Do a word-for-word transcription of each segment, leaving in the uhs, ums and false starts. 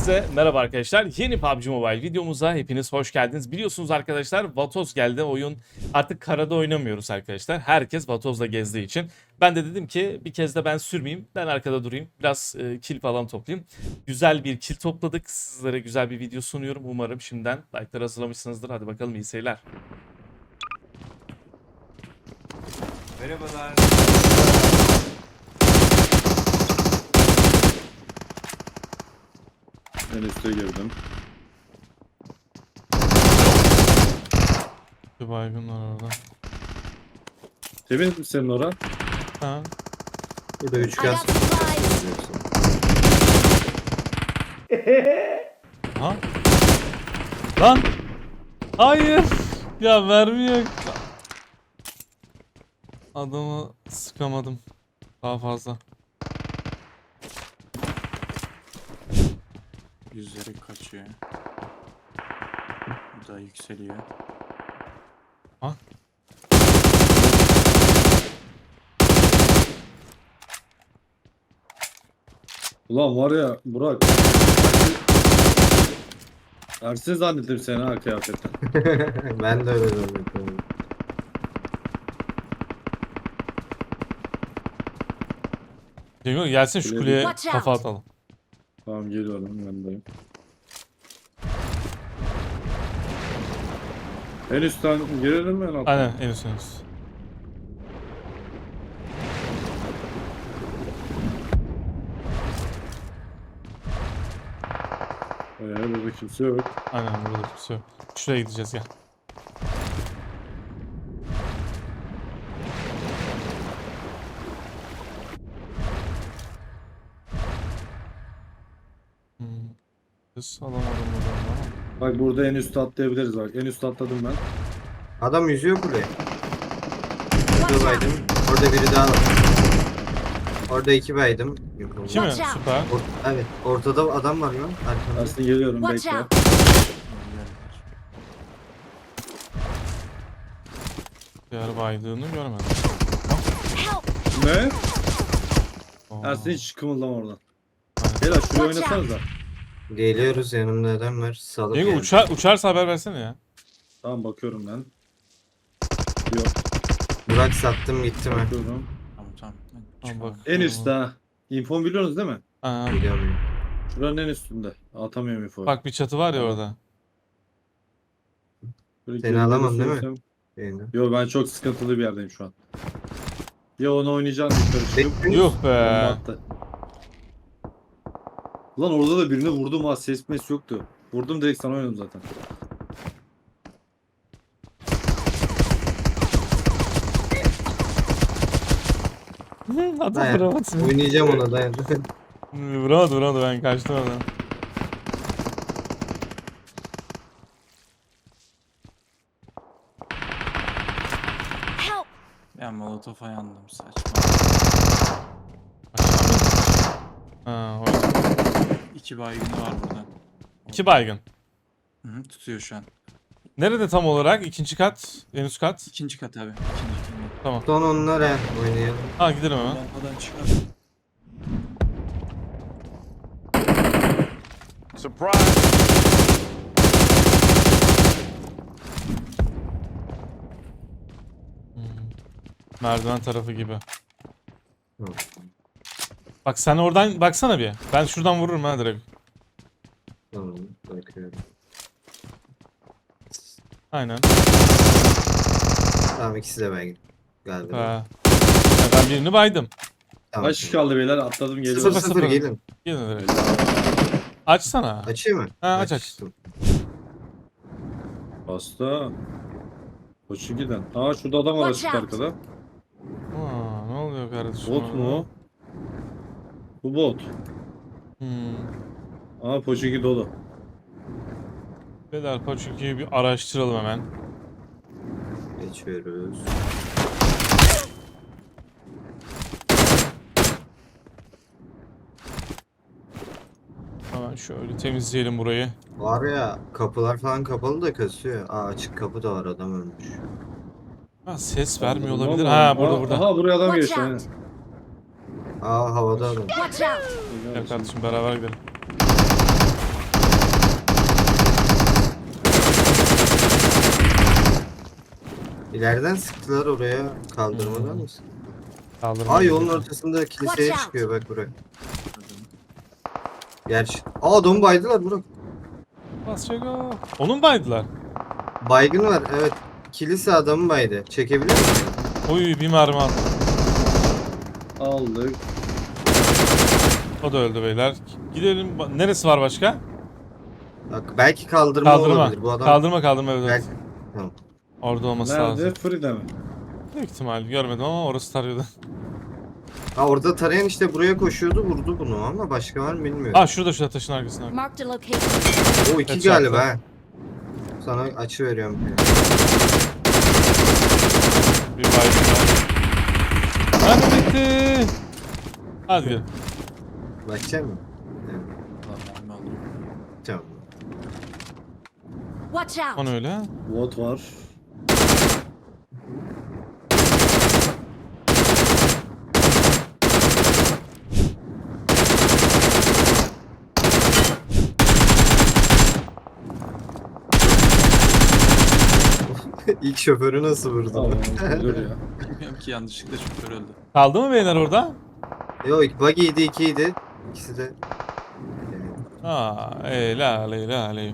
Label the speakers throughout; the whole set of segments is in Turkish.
Speaker 1: Herkese merhaba arkadaşlar. Yeni P U B G Mobile videomuza hepiniz hoş geldiniz. Biliyorsunuz arkadaşlar Vatoz geldi. Oyun artık karada oynamıyoruz arkadaşlar. Herkes Vatoz'la gezdiği için. Ben de dedim ki bir kez de ben sürmeyeyim. Ben arkada durayım. Biraz e, kill falan toplayayım. Güzel bir kill topladık. Sizlere güzel bir video sunuyorum. Umarım şimdiden like'lar hazırlamışsınızdır. Hadi bakalım, iyi seyirler.
Speaker 2: Merhabalar.
Speaker 3: Ben üste girdim.
Speaker 1: Bir baygın var orada.
Speaker 3: Temiz mi senin ora?
Speaker 1: Ha.
Speaker 4: Burada
Speaker 5: I
Speaker 4: üçgen
Speaker 5: got supplies.
Speaker 1: Ha? Lan! Hayır! Ya mermi yok. Adamı sıkamadım. Daha fazla.
Speaker 2: Yüzleri kaçıyor. Bu da yükseliyor.
Speaker 1: Ha?
Speaker 3: Ulan var ya Burak. Ersin zannettim seni ha kıyafetten.
Speaker 4: Ben de öyle zannediyorum.
Speaker 1: Cengo gelsin şu
Speaker 3: Kuleye-
Speaker 1: kuleye
Speaker 5: Watch
Speaker 1: kafa
Speaker 5: out.
Speaker 1: atalım.
Speaker 3: Tamam geliyorum yanındayım. En üstten girelim mi en alttan?
Speaker 1: Aynen, en üst en üst.
Speaker 3: Ee, burada kimse yok.
Speaker 1: Aynen, burada kimse yok. Şuraya gideceğiz, gel. Hmm. Kız alamadım buradan ama.
Speaker 3: Bak burada en üstte atlayabiliriz bak. En üstte atladım ben.
Speaker 4: Adam yüzüyor buraya. Burada baydım. Orada biri daha var. Orada iki baydım. Yok oldu.
Speaker 1: İki mi?
Speaker 5: Watch out.
Speaker 1: Süper.
Speaker 4: Or- evet. Ortada adam var lan. Arkamda.
Speaker 3: Ersin geliyorum
Speaker 5: Watch
Speaker 3: bekle.
Speaker 5: out.
Speaker 1: Diğer baydığını görmedim.
Speaker 5: Help.
Speaker 3: Ne?
Speaker 1: Oo.
Speaker 3: Ersin hiç kımıldama oradan.
Speaker 1: Aynen.
Speaker 3: Beyler şuraya
Speaker 5: Watch
Speaker 3: oynasanıza.
Speaker 4: Geliyoruz, yanımda adam var. Salıp
Speaker 1: Cengo
Speaker 4: yani.
Speaker 1: uçar, uçarsa haber versene ya.
Speaker 3: Tamam bakıyorum ben. Yok
Speaker 4: Burak sattım gitti mi?
Speaker 3: bakıyorum.
Speaker 2: Tamam tamam.
Speaker 1: Tamam, bak.
Speaker 3: En üstte ha. İnfon biliyorsunuz değil mi?
Speaker 1: Aa,
Speaker 4: Biliyorum.
Speaker 3: Şuranın en üstünde. Atamıyorum info.
Speaker 1: bak bir çatı var ya orada.
Speaker 3: Böyle
Speaker 4: Seni
Speaker 3: gerileri
Speaker 4: alamam değil mi?
Speaker 3: söylesem-
Speaker 4: Yani.
Speaker 3: Yo ben çok sıkıntılı bir yerdeyim şu an. Ya onu oynayacaksın yukarı çıkıp.
Speaker 4: Bekle.
Speaker 1: Yuh
Speaker 3: bomba
Speaker 1: be.
Speaker 3: attı. Lan orada da birini vurdum ha, ses mes yoktu. Vurdum direkt sana oynadım zaten.
Speaker 1: Adam
Speaker 4: Dayan.
Speaker 1: vuramadı.
Speaker 4: Oynayacağım ona dayan.
Speaker 1: Vuramadı vuramadı, ben kaçtım oradan.
Speaker 5: Help.
Speaker 2: Ben molotofa yandım, saçma.
Speaker 1: Ha, orada.
Speaker 2: İki baygını var burada.
Speaker 1: İki baygın.
Speaker 2: Hı hı, tutuyor şu an.
Speaker 1: Nerede tam olarak? İkinci kat, en üst kat.
Speaker 2: İkinci kat abi. İkinci ikinci.
Speaker 4: Son onlara oynayalım.
Speaker 1: Ha, gidelim hemen.
Speaker 2: Lampadan çıkar.
Speaker 1: Hmm. Merdiven tarafı gibi.
Speaker 4: Hı.
Speaker 1: Bak sen oradan baksana bir. Ben şuradan vururum ha direkt.
Speaker 4: Tamam bakıyorum.
Speaker 1: Aynen.
Speaker 4: Tamam ikisi de ben galiba.
Speaker 1: Ha. Ya ben birini baydım.
Speaker 4: Tamam.
Speaker 3: Kaç kişi kaldı beyler, atladım
Speaker 4: Sıfır
Speaker 3: geliyorum.
Speaker 1: Sıfır,
Speaker 4: sıfır
Speaker 1: sıfır.
Speaker 4: gelin.
Speaker 1: Gidin direkt. Açsana.
Speaker 4: Açayım mı?
Speaker 1: Ha, aç, aç.
Speaker 4: Açtım.
Speaker 3: Hasta. Koçu giden. Aa şurada adam var
Speaker 5: Watch
Speaker 3: açık
Speaker 5: out.
Speaker 3: arkada.
Speaker 1: Aa, ne oluyor kardeşim?
Speaker 3: Bot mu o? Bu bot.
Speaker 1: Hmm.
Speaker 3: Aa Poçinki dolu.
Speaker 1: Beyler Paçuki'yi bir araştıralım hemen.
Speaker 4: Geçiyoruz.
Speaker 1: Hemen şöyle temizleyelim burayı.
Speaker 4: Var ya kapılar falan kapalı da kasıyor. Aa açık kapı da var, adam ölmüş.
Speaker 1: Ha, ses vermiyor
Speaker 3: Anladım
Speaker 1: olabilir.
Speaker 3: ama-
Speaker 1: Ha, burada
Speaker 3: Aa,
Speaker 1: burada.
Speaker 3: Aha buraya adam
Speaker 5: Watch
Speaker 3: geçti.
Speaker 5: out.
Speaker 3: aynen.
Speaker 4: Aa havada adam.
Speaker 5: Watch out.
Speaker 1: Gel kardeşim, beraber gidelim.
Speaker 4: İleriden sıktılar oraya. Kaldırmadan
Speaker 1: Hmm.
Speaker 4: mısın?
Speaker 1: Kaldırma.
Speaker 4: Aa yolun ortasında kiliseye
Speaker 5: Watch out.
Speaker 4: çıkıyor bak buraya. Gerçi. Aa adamı baydılar Burak.
Speaker 1: Bas çeko. Onun baydılar.
Speaker 4: Baygın var evet. Kilise adamı baydı. Çekebilir misin?
Speaker 1: Oy bir mermi attı.
Speaker 3: Aldık.
Speaker 1: O da öldü beyler. Gidelim. Ba- Neresi var başka?
Speaker 4: Bak belki kaldırma,
Speaker 1: Kaldırma.
Speaker 4: olabilir. Bu adam
Speaker 1: Kaldırma kaldırma evet.
Speaker 4: belki... Tamam.
Speaker 1: Orada olması
Speaker 3: Nerede?
Speaker 1: lazım.
Speaker 3: Free'de mi?
Speaker 1: Büyük ihtimal görmedim ama orası tarıyordu.
Speaker 4: Ha orada tarayan işte buraya koşuyordu vurdu bunu ama başka var mı bilmiyorum.
Speaker 1: Aa şurada şurada taşın arkasında.
Speaker 5: Marked a location.
Speaker 4: O iki
Speaker 1: Evet,
Speaker 4: galiba
Speaker 1: çarptı.
Speaker 4: ha. Sana açı veriyorum.
Speaker 1: Bir baygın var. Hadi bitti. Hadi gel.
Speaker 4: Bakacak mısın? Evet,
Speaker 2: Ulan mermi aldım.
Speaker 4: tamam.
Speaker 5: Watch out.
Speaker 1: O ne öyle?
Speaker 3: Bot var.
Speaker 4: İlk şoförü nasıl vurdu?
Speaker 3: Tamam. Dur ya.
Speaker 2: Bilmiyorum ki yanlışlıkla şoför öldü.
Speaker 1: Kaldı mı beyler orada?
Speaker 4: Yok buggy'ydi ikiydi. İkisi de.
Speaker 1: Aa, helal helal helal.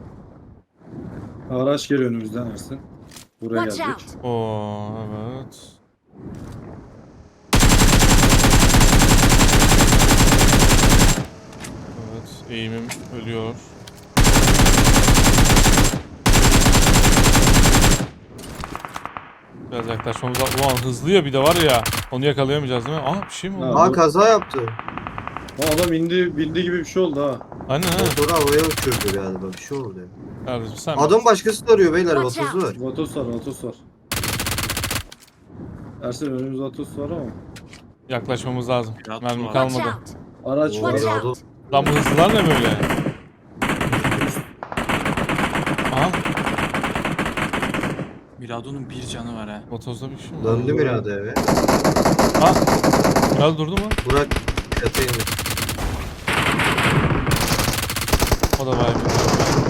Speaker 3: Araç geliyor önümüzden Ersin. Buraya
Speaker 5: Watch
Speaker 3: geldik.
Speaker 5: out.
Speaker 1: Oo evet. Evet eğimim ölüyor. Biraz yaklaşmamız lazım. Ulan hızlı ya bir de var ya. Onu yakalayamayacağız değil mi? Aa bir şey mi oldu?
Speaker 3: Ha.
Speaker 4: Aa kaza yaptı.
Speaker 3: O adam indi, bindi gibi bir şey oldu ha.
Speaker 1: Aynen ha.
Speaker 4: Motoru havaya uçurdu galiba bir şey oldu.
Speaker 1: Kardeşim sen
Speaker 4: Adam başkası da arıyor beyler
Speaker 5: Watch
Speaker 4: otozu var.
Speaker 3: Vatos var, Vatos var. Ersin önümüzde Vatos var ama.
Speaker 1: yaklaşmamız lazım.
Speaker 2: Biraz
Speaker 1: Mermi
Speaker 2: var.
Speaker 5: Watch
Speaker 1: kalmadı.
Speaker 5: out.
Speaker 3: Araç var.
Speaker 5: Watch
Speaker 4: Vallahi
Speaker 5: out.
Speaker 1: Lan bu hızlılar ne böyle? Aha.
Speaker 2: Mirado'nun bir canı var ha.
Speaker 1: Otozda bir şey mi?
Speaker 4: Döndü Mirada eve.
Speaker 1: Ha. Biraz durdu mu?
Speaker 4: Burak çatıya indi.
Speaker 1: O da bayağı bir.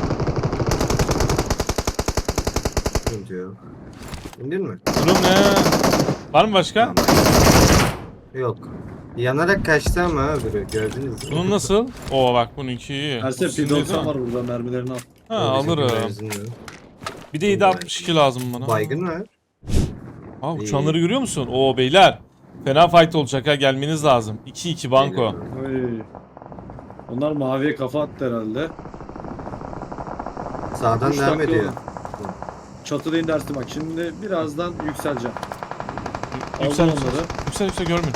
Speaker 4: Sıkıntı yok. İndin mi?
Speaker 1: Durum ne? Var mı başka?
Speaker 4: Yok. Yanarak kaçtı ama öbürü gördünüz mü?
Speaker 1: Bunun nasıl? Oo bak bununki iyi.
Speaker 3: Ersin
Speaker 1: Bu sizin
Speaker 3: P
Speaker 1: değil
Speaker 3: doksan
Speaker 1: mi?
Speaker 3: var burada, mermilerini al.
Speaker 1: Ha
Speaker 4: O bizim
Speaker 1: alırım.
Speaker 4: benzinli.
Speaker 1: Bir de yedi altmış iki lazım bana.
Speaker 4: Baygın var.
Speaker 1: Ha uçanları görüyor musun? Oo beyler. Fena fight olacak ha gelmeniz lazım. iki iki banko.
Speaker 3: Oy. Onlar maviye kafa attı herhalde.
Speaker 4: Sağdan
Speaker 3: Üç
Speaker 4: devam
Speaker 3: dakika
Speaker 4: ediyor.
Speaker 3: oldu. Çatıda indi Ersin bak. Şimdi birazdan yükseleceğim. Aldım
Speaker 1: Yüksel
Speaker 3: onları.
Speaker 1: yüksel. Yüksel yüksel görmüyorum.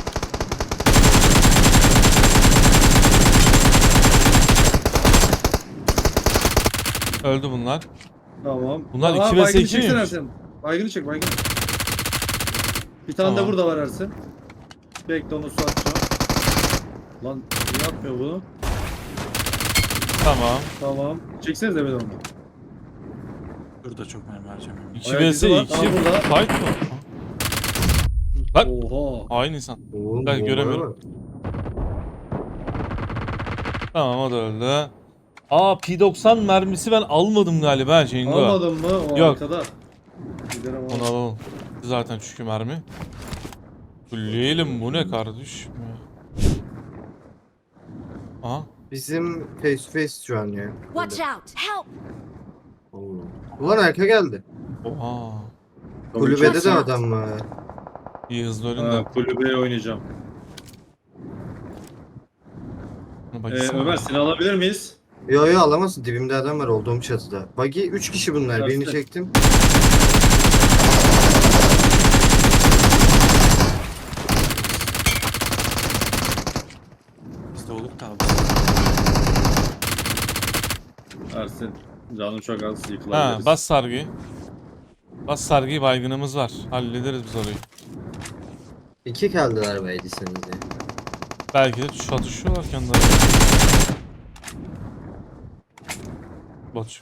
Speaker 1: Öldü bunlar.
Speaker 3: Tamam.
Speaker 1: Bunlar
Speaker 3: Aa,
Speaker 1: iki vs
Speaker 3: baygını
Speaker 1: iki
Speaker 3: çeksene
Speaker 1: miymiş?
Speaker 3: Ersin. Baygını çek baygını. Bir tane
Speaker 1: Tamam.
Speaker 3: de burada var Ersin. Bekle onu su atacağım. Lan niye yapmıyor bunu?
Speaker 1: Tamam.
Speaker 3: Tamam. Çeksenize beni onu.
Speaker 2: Burada çok mermi harcamıyorum.
Speaker 1: iki
Speaker 3: Ayak
Speaker 1: vs
Speaker 3: izi var.
Speaker 1: iki
Speaker 3: Aa, burada.
Speaker 1: fight mı? Bak.
Speaker 3: Oha.
Speaker 1: Aynı insan.
Speaker 4: Oo,
Speaker 1: Ben
Speaker 4: bomba
Speaker 1: göremiyorum.
Speaker 4: var.
Speaker 1: Tamam o da öldü. Aa P doksan mermisi ben almadım galiba Cengo.
Speaker 3: Almadın mı? O
Speaker 1: Yok.
Speaker 3: arkada. Gidelim
Speaker 1: Onu
Speaker 3: al.
Speaker 1: alalım. Zaten çünkü mermi. Fulleyelim bu ne kardeş? Aha.
Speaker 4: Bizim face to face şu an ya.
Speaker 5: Watch out. Help.
Speaker 4: Oo. Ulan arka geldi.
Speaker 1: Oha.
Speaker 4: Kulübede de
Speaker 5: Watch out.
Speaker 4: adam var.
Speaker 1: İyi hızlı ölün
Speaker 3: Ha,
Speaker 1: de.
Speaker 3: kulübeye oynayacağım.
Speaker 1: Bak,
Speaker 3: Ee,
Speaker 1: gitsene.
Speaker 3: Ömer seni alabilir miyiz?
Speaker 4: Yo yo alamazsın dibimde adam var olduğum çatıda. Buggy üç kişi bunlar
Speaker 3: Ersin.
Speaker 4: birini çektim.
Speaker 2: Biz de olduk da abi.
Speaker 3: Ersin. Canım çok az
Speaker 1: Ha
Speaker 3: yıkılabiliriz.
Speaker 1: bas sargıyı. Bas sargıyı baygınımız var. Hallederiz biz orayı.
Speaker 4: İki kaldılar beydisiniz ya.
Speaker 1: Belki de çatışıyorlar kendileri. Bot.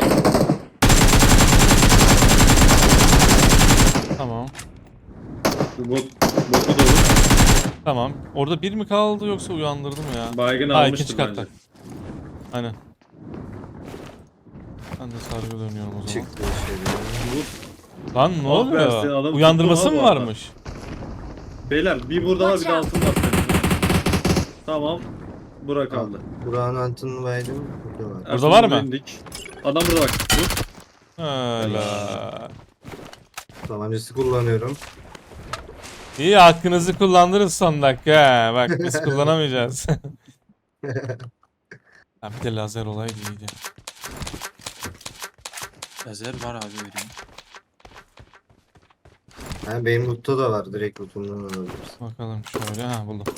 Speaker 1: Tamam.
Speaker 3: Bot, botu da olur.
Speaker 1: Tamam. Orada bir mi kaldı yoksa uyandırdı mı ya?
Speaker 3: Baygın
Speaker 1: Ha
Speaker 3: almıştır
Speaker 1: ikinci katta.
Speaker 3: bence.
Speaker 1: Aynen. Ben de sargı dönüyorum o zaman.
Speaker 4: Çıktı içeri.
Speaker 3: Bu
Speaker 1: Lan ne
Speaker 3: Ah be, sen
Speaker 1: oluyor?
Speaker 3: adamı
Speaker 1: Uyandırması
Speaker 3: tuttun
Speaker 1: mı
Speaker 3: ha bu arada.
Speaker 1: varmış?
Speaker 3: Beyler bir burada var bir de
Speaker 5: Watch out.
Speaker 3: altında var. Tamam. Bura kaldı.
Speaker 4: Buranın altını baydım. Burada var.
Speaker 1: Burada var mı?
Speaker 3: İndik. Adam burada bak. Dur.
Speaker 1: Öyle.
Speaker 4: Tabancası kullanıyorum.
Speaker 1: İyi hakkınızı kullandınız son dakika. Bak biz kullanamayacağız. Ha, bir de lazer olaydı iyiydi.
Speaker 2: Lazer var abi vereyim.
Speaker 4: Ha, benim loot'ta da var. Direkt loot'umdan alabiliriz.
Speaker 1: Bakalım şöyle. Ha buldum.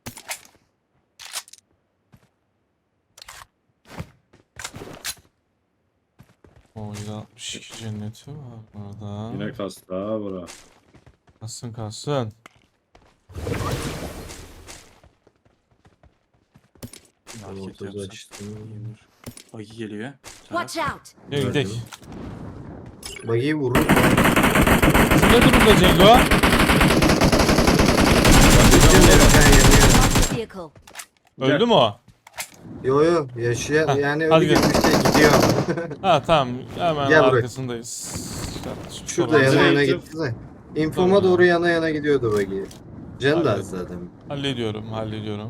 Speaker 1: O yüz altmış iki cenneti var burada.
Speaker 3: Yine kastı ha bura.
Speaker 1: Kalsın kalsın.
Speaker 2: Market
Speaker 4: Ortası
Speaker 2: yapsak.
Speaker 4: açtım.
Speaker 2: Bagi geliyor.
Speaker 5: Watch out!
Speaker 1: Gel gidelim.
Speaker 4: Bagiyi vurur.
Speaker 1: Ne durumda Cengo?
Speaker 5: Marked a vehicle.
Speaker 1: Öldü mü o?
Speaker 4: Yo yo yaşıyor.
Speaker 1: Heh,
Speaker 4: Yani
Speaker 1: hadi
Speaker 4: öyle gibi bir şey gidiyor.
Speaker 1: Ha tamam hemen
Speaker 4: Gel buraya.
Speaker 1: arkasındayız. Kardeşim,
Speaker 4: Şurada
Speaker 1: sorun
Speaker 4: yana
Speaker 1: değil.
Speaker 4: yana
Speaker 3: Zeytin.
Speaker 4: gitti de. Infoma
Speaker 1: Tamam.
Speaker 4: doğru yana yana gidiyordu bagi. Can da
Speaker 1: Hadi.
Speaker 4: az zaten.
Speaker 1: Hallediyorum hallediyorum.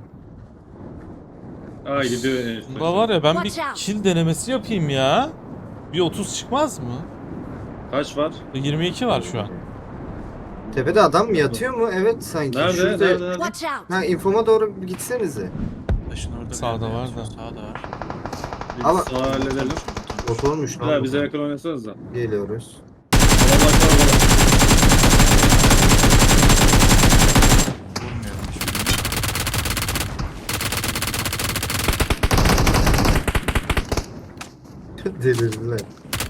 Speaker 3: Aa gidiyor. en
Speaker 1: Bunda
Speaker 3: üstte.
Speaker 1: var ya ben bir
Speaker 5: Watch out.
Speaker 1: kill denemesi yapayım ya. Bir otuz çıkmaz mı?
Speaker 3: Kaç var?
Speaker 1: yirmi iki var şu an.
Speaker 4: Tepede adam mı yatıyor mu? Evet sanki.
Speaker 3: Nerede?
Speaker 4: Şurada...
Speaker 3: Nerede? Nerede?
Speaker 5: Watch out!
Speaker 4: Ha infoma doğru gitsenize.
Speaker 2: Taşın orada bir
Speaker 1: Sağda
Speaker 2: yerde
Speaker 1: var
Speaker 2: yatıyor,
Speaker 1: da.
Speaker 2: Sağda var.
Speaker 3: Bir
Speaker 4: Ama-
Speaker 3: sağa halledelim.
Speaker 4: Oturmuş lan.
Speaker 3: Beyler
Speaker 4: bu.
Speaker 3: bize yakın oynasanız da.
Speaker 4: Geliyoruz.
Speaker 3: Adam bak var bana.
Speaker 2: Vurmuyorum hiçbirini.
Speaker 4: Delirdiler.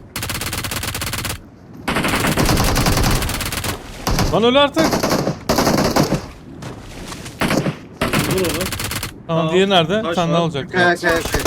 Speaker 1: Lan öl artık.
Speaker 3: Vur onu.
Speaker 1: Tamam
Speaker 3: Tamam.
Speaker 1: diğeri nerede?
Speaker 3: Taş
Speaker 1: Sen ne
Speaker 3: var.
Speaker 1: olacak?
Speaker 4: Kaya kaya kaya.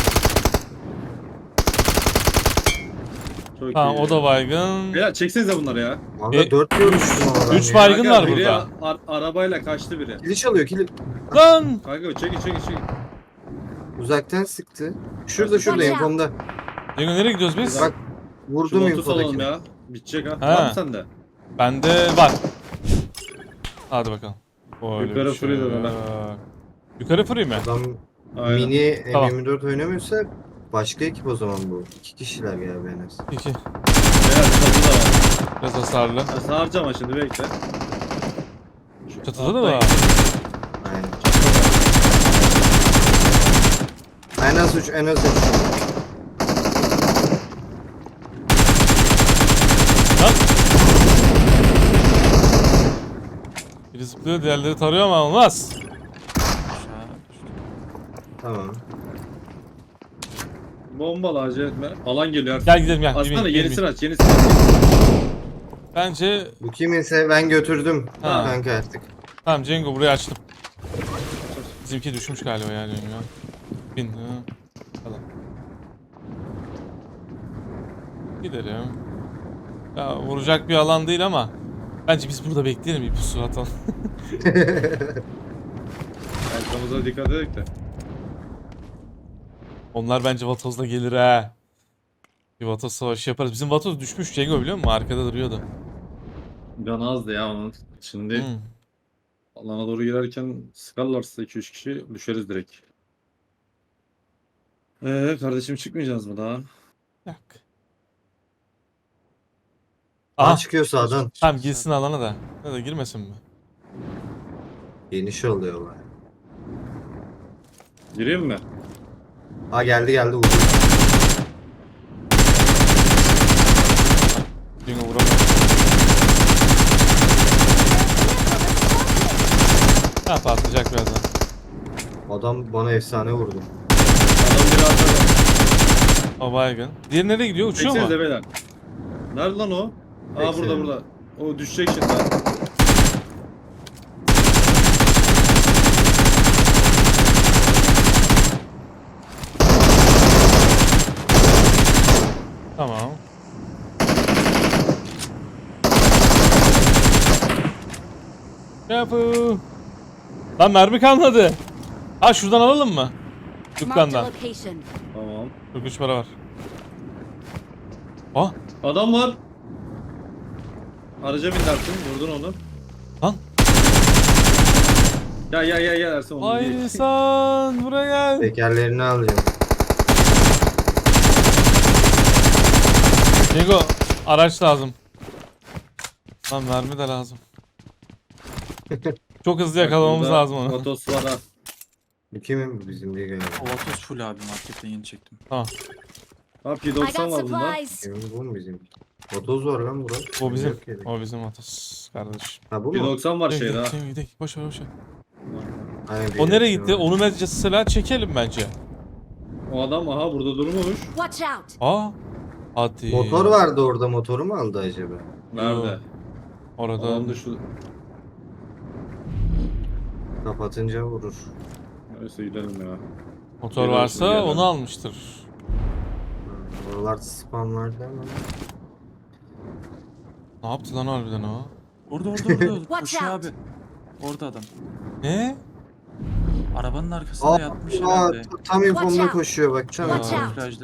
Speaker 3: Çok
Speaker 1: Tamam
Speaker 3: iyi.
Speaker 1: o da baygın.
Speaker 3: Beyler çeksenize bunları ya.
Speaker 4: Valla
Speaker 1: E,
Speaker 4: dört görmüştüm oradan.
Speaker 1: üç
Speaker 4: ya.
Speaker 1: baygın
Speaker 3: Kanka,
Speaker 1: var
Speaker 3: biri
Speaker 1: burada.
Speaker 3: ar- arabayla kaçtı biri.
Speaker 4: Kili çalıyor kili.
Speaker 1: Lan!
Speaker 3: Kanka çekin çekin çekin.
Speaker 4: Uzaktan sıktı. Şurada şurada
Speaker 5: Watch out.
Speaker 4: infomda.
Speaker 1: Cengo nereye gidiyoruz biz?
Speaker 4: Bak
Speaker 3: Şu
Speaker 4: vurdum
Speaker 3: botu salalım
Speaker 4: infodakini.
Speaker 3: ya. Bitecek ha.
Speaker 1: Ha.
Speaker 3: Var mı sende?
Speaker 1: Bende var. Hadi bakalım. Öyle
Speaker 3: Yukarı
Speaker 1: bir şey
Speaker 3: fırıydı
Speaker 1: yok.
Speaker 3: öyle.
Speaker 1: Yukarı fırayım mı?
Speaker 4: Adam
Speaker 3: Aynen.
Speaker 4: mini
Speaker 1: Tamam.
Speaker 4: M yirmi dört oynamıyorsa başka ekip o zaman bu. İki kişiler galiba en az.
Speaker 1: İki.
Speaker 3: Beyler çatı da var.
Speaker 1: Biraz hasarlı.
Speaker 3: Ben sana harcama şimdi bekle. Şu
Speaker 1: Çatıda da
Speaker 3: alttaki-
Speaker 1: var.
Speaker 4: Aynen.
Speaker 3: Çatıda var.
Speaker 4: En az üç en az üç.
Speaker 1: Lan! Biri zıplıyor diğerleri tarıyor ama olmaz.
Speaker 2: Aşağı düştü.
Speaker 4: Tamam.
Speaker 3: Bombalı acele etme. Alan geliyor artık.
Speaker 1: Gel gidelim gel.
Speaker 3: Aslında
Speaker 1: Yemin-
Speaker 3: yenisini
Speaker 1: yemin.
Speaker 3: aç yenisini aç.
Speaker 1: Bence
Speaker 4: Bu kiminse ben götürdüm.
Speaker 1: Ha.
Speaker 4: Kanka artık.
Speaker 1: tamam Cengo burayı açtım. Bizimki düşmüş galiba yani. Ya. Bin. Ha. Hadi. Gidelim. Ya vuracak bir alan değil ama bence biz burada bekleyelim bir pusu atalım.
Speaker 3: Arkamıza dikkat edelim de.
Speaker 1: Onlar bence Vatoz'la gelir ha. Bir Vatoz savaşı yaparız. Bizim Vatoz düşmüş Cengo biliyor musun? Arkada duruyordu.
Speaker 3: Can azdı ya onun. Şimdi
Speaker 1: Hmm.
Speaker 3: alana doğru girerken sıkarlarsa iki üç kişi düşeriz direkt. Eee kardeşim çıkmayacağız mı daha?
Speaker 1: Yok.
Speaker 4: Aa
Speaker 1: Aha.
Speaker 4: çıkıyor sağdan.
Speaker 1: Tamam girsin alana da. Ya da girmesin mi?
Speaker 4: Geniş oluyor baya.
Speaker 3: Gireyim mi?
Speaker 4: Aa geldi geldi vurdu.
Speaker 1: Cengo vuramaz. Ha patlayacak birazdan.
Speaker 4: Adam bana efsane vurdu.
Speaker 3: Adam biri arkada.
Speaker 1: O baygın. Diğeri nereye gidiyor? Uçuyor mu?
Speaker 3: Çeksenize beyler. Nerede lan o? Aa burada
Speaker 4: Çeksene.
Speaker 3: burada. O düşecek şimdi.
Speaker 1: Tamam. Yapı. Lan mermi kalmadı. Ha şuradan alalım mı?
Speaker 5: Marked a
Speaker 1: Dükkandan.
Speaker 5: location.
Speaker 3: Tamam.
Speaker 1: kırk üç para var. Ah
Speaker 3: Adam var. Araca bin Ersin. Vurdun onu.
Speaker 1: Lan.
Speaker 3: Ya ya ya ya Ersin onu
Speaker 1: Ay
Speaker 3: değil.
Speaker 1: insan buraya gel.
Speaker 4: Tekerlerini alacağım.
Speaker 1: Diego araç lazım. Lan mermi de lazım. Çok hızlı yakalamamız
Speaker 3: Burada
Speaker 1: lazım onu.
Speaker 3: Vatos var ha.
Speaker 4: Bu kimin bu bizim diye galiba.
Speaker 2: O Vatos full abi, marketten yeni çektim.
Speaker 3: Ha P
Speaker 5: I
Speaker 3: doksan
Speaker 5: got
Speaker 3: var bunda.
Speaker 5: supplies.
Speaker 4: Kimin bu mu bizim? Motoz var lan burada.
Speaker 1: O bizim.
Speaker 4: Yok yeri.
Speaker 1: O bizim Atas kardeşim.
Speaker 4: Ha bu
Speaker 3: P
Speaker 4: mu?
Speaker 3: doksan var
Speaker 1: Gidelim,
Speaker 3: şeyde ha.
Speaker 1: gidelim, gidelim. Boş ver boş ver.
Speaker 4: Aynen,
Speaker 1: O
Speaker 4: bir
Speaker 1: nereye
Speaker 4: dakika
Speaker 1: gitti?
Speaker 4: var.
Speaker 1: Onu mesela çekelim bence.
Speaker 3: O adam aha burada durmamış.
Speaker 5: Watch out.
Speaker 1: Aa. Hadi.
Speaker 4: Motor vardı orada, motoru mu aldı acaba?
Speaker 3: Nerede?
Speaker 1: Orada.
Speaker 3: Adam da şu.
Speaker 4: Kapatınca vurur.
Speaker 3: Neyse gidelim ya.
Speaker 1: Motor
Speaker 3: Geliyor,
Speaker 1: varsa
Speaker 3: geliyor.
Speaker 1: onu almıştır.
Speaker 4: Oralar spam vardı ama.
Speaker 1: Ne yaptı lan harbiden o?
Speaker 2: Orada orada orada.
Speaker 5: Watch
Speaker 2: Koşuyor
Speaker 5: out.
Speaker 2: abi. Orada adam.
Speaker 1: Ne?
Speaker 2: Arabanın arkasında
Speaker 4: Aa,
Speaker 2: yatmış
Speaker 4: aa,
Speaker 2: herhalde.
Speaker 4: tam infomda
Speaker 5: out.
Speaker 4: koşuyor bak. Çana.
Speaker 5: Watch out.
Speaker 2: Plajda.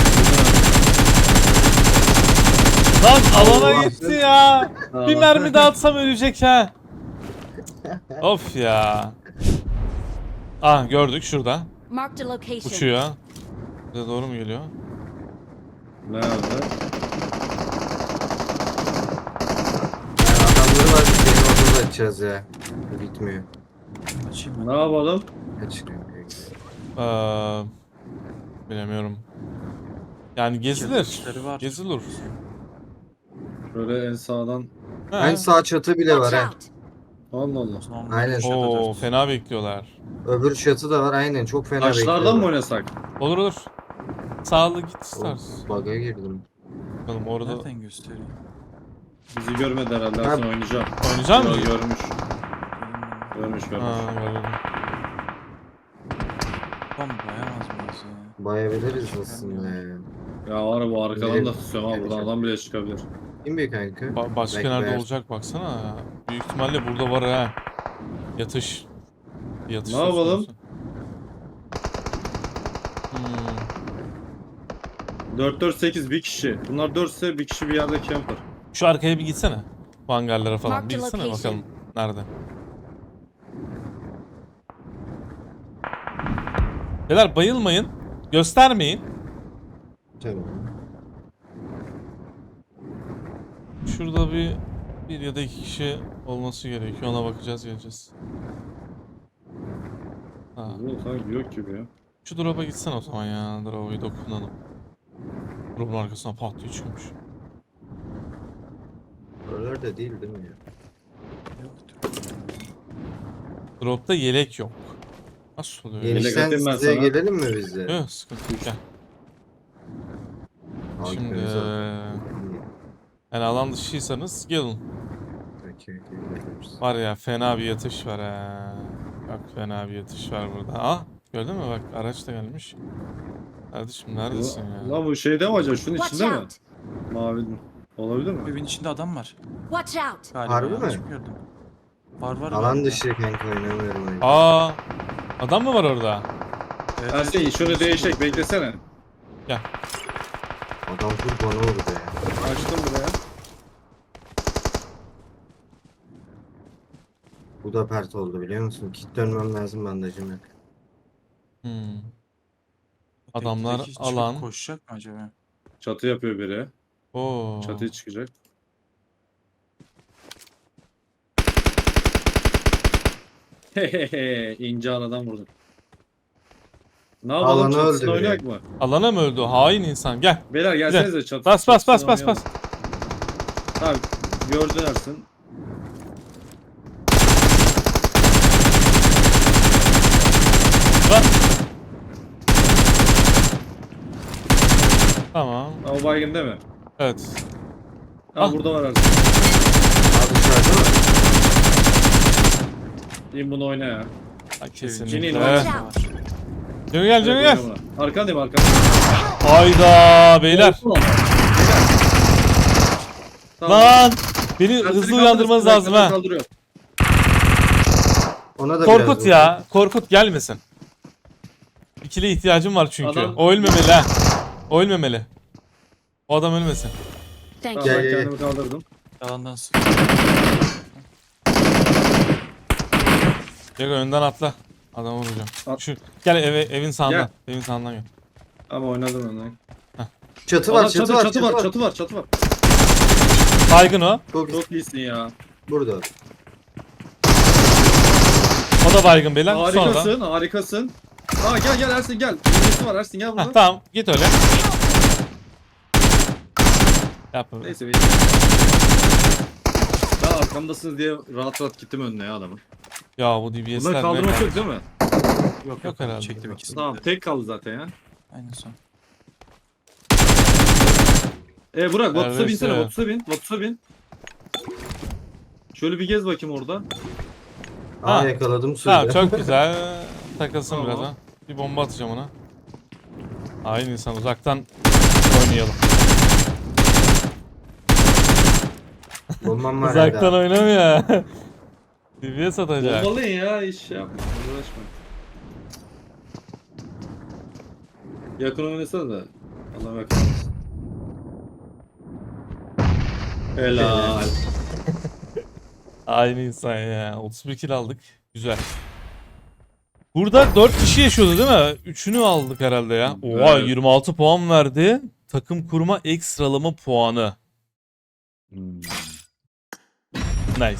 Speaker 1: Lan alana
Speaker 4: Allah.
Speaker 1: gitti ya. Bir
Speaker 3: Aa.
Speaker 1: mermi daha atsam ölecek ha. Of ya. Ah gördük şurada.
Speaker 5: Marked a location.
Speaker 1: Uçuyor. Bize doğru mu geliyor?
Speaker 3: Nerede?
Speaker 4: Yani adamları var. Benim motoru açacağız ya. Bitmiyor.
Speaker 2: Açayım ben.
Speaker 3: Ne yapalım?
Speaker 4: Açılıyor.
Speaker 1: Ee, bilemiyorum. Yani gezilir.
Speaker 2: işleri var.
Speaker 1: Gezilir.
Speaker 3: Şöyle en sağdan.
Speaker 1: Ha.
Speaker 4: En sağ çatı bile var
Speaker 5: Watch
Speaker 4: ha.
Speaker 5: out.
Speaker 3: Allah Allah.
Speaker 2: Son
Speaker 4: Aynen.
Speaker 2: şurada
Speaker 1: Oo
Speaker 2: dört.
Speaker 1: fena bekliyorlar.
Speaker 4: Öbür çatı da var aynen. Çok fena
Speaker 3: Taşlardan mı
Speaker 4: bekliyorlar.
Speaker 3: oynasak?
Speaker 1: Olur olur. Sağlı git istersen.
Speaker 4: Of, Bug'a girdim.
Speaker 1: Bakalım orada
Speaker 2: Nereden gösteriyor?
Speaker 3: Bizi görmedi herhalde.
Speaker 4: Ha.
Speaker 3: Ersin oynayacağım.
Speaker 1: oynayacak
Speaker 3: Yo,
Speaker 1: mısın?
Speaker 3: görmüş. Görmüş görmüş.
Speaker 1: Ha gördüm.
Speaker 2: Tam bayamaz mıyız ya?
Speaker 4: Bayabiliriz aslında ya.
Speaker 3: Ya var bu arkadan
Speaker 4: Benim-
Speaker 3: da tutuyorum ha. Buradan adam bile çıkabilir.
Speaker 4: Kim bir kanka?
Speaker 1: Ba- başka
Speaker 4: Bekle.
Speaker 1: nerede olacak baksana ya. Büyük ihtimalle burada var ha. Yatış. Yatış.
Speaker 3: Ne
Speaker 1: söz
Speaker 3: yapalım?
Speaker 1: konusu. Hmm.
Speaker 3: dört dört sekiz bir kişi. Bunlar dört ise bir kişi bir yerde camper.
Speaker 1: Şu arkaya bir gitsene. Bu hangarlara falan.
Speaker 5: Mark
Speaker 1: Bir
Speaker 5: the
Speaker 1: gitsene
Speaker 5: location.
Speaker 1: bakalım. Nerede? Beyler bayılmayın. Göstermeyin.
Speaker 4: Tamam.
Speaker 1: Şurada bir bir ya da iki kişi olması gerekiyor. Ona bakacağız geleceğiz. Ha.
Speaker 3: Bu sanki yok gibi ya.
Speaker 1: Şu drop'a gitsen o zaman ya. Drop'u dokunalım. Drop'un arkasına pat diye çıkmış.
Speaker 4: Oralarda değil değil mi ya?
Speaker 2: Yoktur.
Speaker 1: Drop'ta yelek yok. Nasıl oluyor?
Speaker 3: Yelek
Speaker 4: Genişten
Speaker 3: atayım ben
Speaker 4: size
Speaker 3: sana.
Speaker 4: gelelim mi biz de?
Speaker 1: Yok sıkıntı yok. Gel. Şimdi
Speaker 4: Arkanıza.
Speaker 1: yani alan dışıysanız gelin.
Speaker 4: Okey, okey, geliyoruz.
Speaker 1: Var ya fena bir yatış var ha. Bak fena bir yatış var burada. Aa gördün mü bak araç da gelmiş. Kardeşim neredesin ya?
Speaker 3: Lan bu şeyde mi acaba? Şunun
Speaker 5: Watch
Speaker 3: içinde mi?
Speaker 5: out.
Speaker 3: Mavi mi? Olabilir mi?
Speaker 2: Evin içinde adam var.
Speaker 5: Watch out.
Speaker 2: Galiba
Speaker 4: Harbi
Speaker 2: yanlış
Speaker 4: mi?
Speaker 2: mı gördüm? Var var.
Speaker 4: Alan
Speaker 2: galiba.
Speaker 4: dışı kanka oynamıyorum oyunu.
Speaker 1: Aa adam mı var orada?
Speaker 2: Evet,
Speaker 3: Ersin
Speaker 2: evet.
Speaker 3: şunu değişek beklesene.
Speaker 4: Adam full bana vurdu ya.
Speaker 3: Açtım buraya.
Speaker 4: Bu da pert oldu biliyor musun? Kit dönmem lazım, bandajım yok.
Speaker 1: Hmm.
Speaker 2: Öteki
Speaker 1: Adamlar
Speaker 2: çıkıp
Speaker 1: alan.
Speaker 2: Koşacak mı acaba?
Speaker 3: Çatı yapıyor biri.
Speaker 1: Oo.
Speaker 3: Çatıya çıkacak. Hehehe ince aradan vurdum. Ne yapalım
Speaker 4: Alanı
Speaker 3: çatısını
Speaker 4: öldürüyor.
Speaker 3: oynayak mı?
Speaker 1: Alana mı öldü? Hain insan gel.
Speaker 3: Beyler gelsenize çatı.
Speaker 1: Bas bas bas
Speaker 3: çatısını
Speaker 1: bas bas.
Speaker 3: oynayalım. Tamam gördün Ersin.
Speaker 1: Bas. Tamam.
Speaker 3: Ha, o baygın değil mi?
Speaker 1: Evet.
Speaker 3: Ha
Speaker 1: Ah.
Speaker 3: burada var Ersin.
Speaker 4: Abi dışarıda mı?
Speaker 3: İn bunu oyna ya.
Speaker 1: Ha,
Speaker 3: Cini
Speaker 1: kesinlikle.
Speaker 3: var.
Speaker 2: Var.
Speaker 1: Cemil gel Cemil gel.
Speaker 3: Evet, oyna buna. Arkandayım arkandayım.
Speaker 1: Hayda beyler.
Speaker 3: Olsun ama. Beyler. Tamam.
Speaker 1: Lan. Beni
Speaker 3: Ersin'i
Speaker 1: hızlı
Speaker 3: kaldırın,
Speaker 1: uyandırmanız
Speaker 3: Ersin'i
Speaker 1: lazım ha.
Speaker 3: kaldırıyor.
Speaker 4: Ona da
Speaker 1: Korkut
Speaker 4: biraz
Speaker 1: ya. Korkut gelmesin. İkili ihtiyacım var çünkü.
Speaker 3: Adam-
Speaker 1: O ölmemeli ha. O ölmemeli. O adam ölmesin.
Speaker 5: Thank
Speaker 3: Tamam
Speaker 5: you.
Speaker 4: Gel,
Speaker 3: ben
Speaker 4: gel,
Speaker 3: kendimi kaldırdım.
Speaker 2: Yalandan sık.
Speaker 1: Jago önden atla. Adamı vuracağım.
Speaker 3: At.
Speaker 1: Şu, gel eve, evin sağından. Evin sağından gel.
Speaker 3: Ama oynadım önden.
Speaker 4: Çatı
Speaker 3: Valla
Speaker 4: var, çatı, var,
Speaker 3: çatı var, çatı var, çatı var.
Speaker 1: Baygın o.
Speaker 4: Çok
Speaker 3: Çok iyisin ya.
Speaker 4: burada.
Speaker 1: O da baygın beyler. Sonra da.
Speaker 3: Harikasın, harikasın. Aa gel gel Ersin gel. Birisi var Ersin gel
Speaker 1: Heh,
Speaker 3: burada.
Speaker 1: tamam git öyle. Yap öyle.
Speaker 3: Neyse benim. Daha arkamdasınız diye rahat rahat gittim önüne ya adamın.
Speaker 1: Ya bu D B S'ler
Speaker 3: Bunları
Speaker 1: ne?
Speaker 3: kaldırmak yok değil mi?
Speaker 2: Yok
Speaker 1: Yok herhalde.
Speaker 2: Çektim ikisini.
Speaker 3: Tamam
Speaker 2: de.
Speaker 3: tek kaldı zaten ya.
Speaker 2: Aynen son.
Speaker 3: E Burak Vatus'a
Speaker 1: Neredeyse.
Speaker 3: binsene Vatus'a bin. Vatus'a bin. Şöyle bir gez bakayım orada.
Speaker 4: Aa
Speaker 1: Ha.
Speaker 4: yakaladım sürüde.
Speaker 1: Tamam çok güzel. Takılsın
Speaker 3: Tamam.
Speaker 1: biraz ha. Bir bomba atacağım ona. Aynı insan uzaktan oynayalım.
Speaker 4: Bombam var
Speaker 1: Uzaktan
Speaker 4: hala.
Speaker 1: oynamıyor. D B S atacak.
Speaker 3: Bombalayın ya iş yapma. Uğraşma. Yakın oynasana da. Allah yakın olsun. Helal.
Speaker 1: Aynı insan ya. otuz bir kill aldık. Güzel. Burada dört kişi yaşıyordu değil mi? üçünü aldık herhalde ya. Oha
Speaker 3: Evet.
Speaker 1: yirmi altı puan verdi. Takım kurma ekstralama puanı.
Speaker 3: Hmm.
Speaker 1: Nice.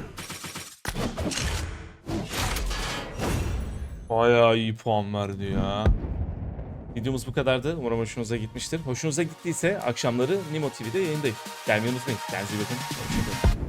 Speaker 1: Bayağı iyi puan verdi ya. Videomuz bu kadardı. Umarım hoşunuza gitmiştir. Hoşunuza gittiyse akşamları Nimo T V'de yayındayım. Gelmeyi unutmayın. Kendinize iyi bakın. Hoşçakalın.